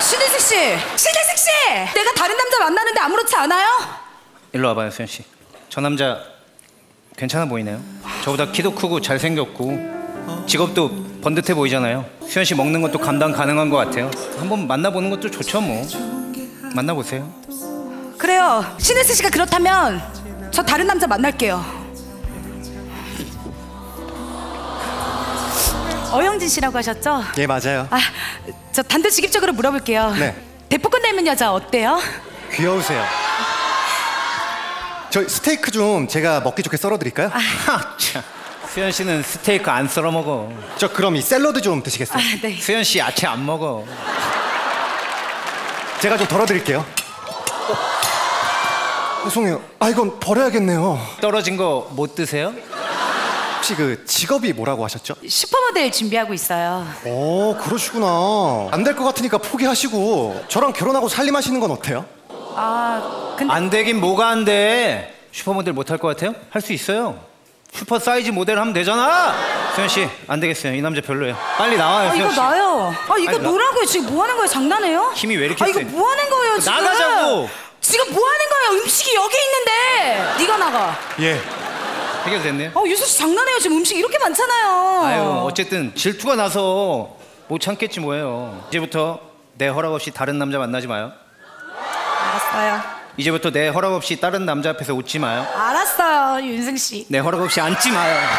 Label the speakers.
Speaker 1: 신혜식 씨! 신혜식 씨! 내가 다른 남자 만나는데 아무렇지 않아요?
Speaker 2: 일로 와봐요, 수현 씨. 저 남자 괜찮아 보이네요. 저보다 키도 크고 잘생겼고 직업도 번듯해 보이잖아요. 수현 씨 먹는 것도 감당 가능한 것 같아요. 한번 만나보는 것도 좋죠, 뭐. 만나보세요.
Speaker 1: 그래요. 신혜식 씨가 그렇다면 저 다른 남자 만날게요. 어영진 씨라고 하셨죠?
Speaker 3: 예, 맞아요.
Speaker 1: 아, 저 단도직입적으로 물어볼게요.
Speaker 3: 네.
Speaker 1: 대포권 닮은 여자 어때요?
Speaker 3: 귀여우세요. 저 스테이크 좀 제가 먹기 좋게 썰어드릴까요?
Speaker 2: 하, 참. 수현 씨는 스테이크 안 썰어 먹어.
Speaker 3: 저 그럼 이 샐러드 좀 드시겠어요?
Speaker 1: 아, 네.
Speaker 2: 수현 씨 야채 안 먹어.
Speaker 3: 제가 좀 덜어드릴게요. 죄송해요. 아, 이건 버려야겠네요.
Speaker 2: 떨어진 거 못 드세요?
Speaker 3: 혹시 그 직업이 뭐라고 하셨죠?
Speaker 1: 슈퍼모델 준비하고 있어요.
Speaker 3: 오, 그러시구나. 안 될 것 같으니까 포기하시고 저랑 결혼하고 살림하시는 건 어때요?
Speaker 1: 아, 근데
Speaker 2: 안 되긴 뭐가 안 돼. 슈퍼모델 못 할 것 같아요? 할 수 있어요. 슈퍼 사이즈 모델 하면 되잖아. 수현 씨, 안 되겠어요. 이 남자 별로예요. 빨리 나와요, 수현
Speaker 1: 이거
Speaker 2: 씨.
Speaker 1: 나요. 아, 이거
Speaker 2: 아니,
Speaker 1: 뭐라고요? 지금 뭐 하는 거예요? 장난해요?
Speaker 2: 힘이 왜 이렇게
Speaker 1: 아, 이거
Speaker 2: 세?
Speaker 1: 뭐 하는 거예요, 지금?
Speaker 2: 나가자고.
Speaker 1: 지금 뭐 하는 거예요? 음식이 여기 있는데. 네가 나가.
Speaker 3: 예.
Speaker 2: 해결됐네요.
Speaker 1: 유수 씨 장난해요. 지금 음식 이렇게 많잖아요.
Speaker 2: 아유, 어쨌든 질투가 나서 못 참겠지 뭐예요. 이제부터 내 허락 없이 다른 남자 만나지 마요.
Speaker 1: 알았어요.
Speaker 2: 이제부터 내 허락 없이 다른 남자 앞에서 웃지 마요.
Speaker 1: 알았어요, 윤승 씨.
Speaker 2: 내 허락 없이 앉지 마요.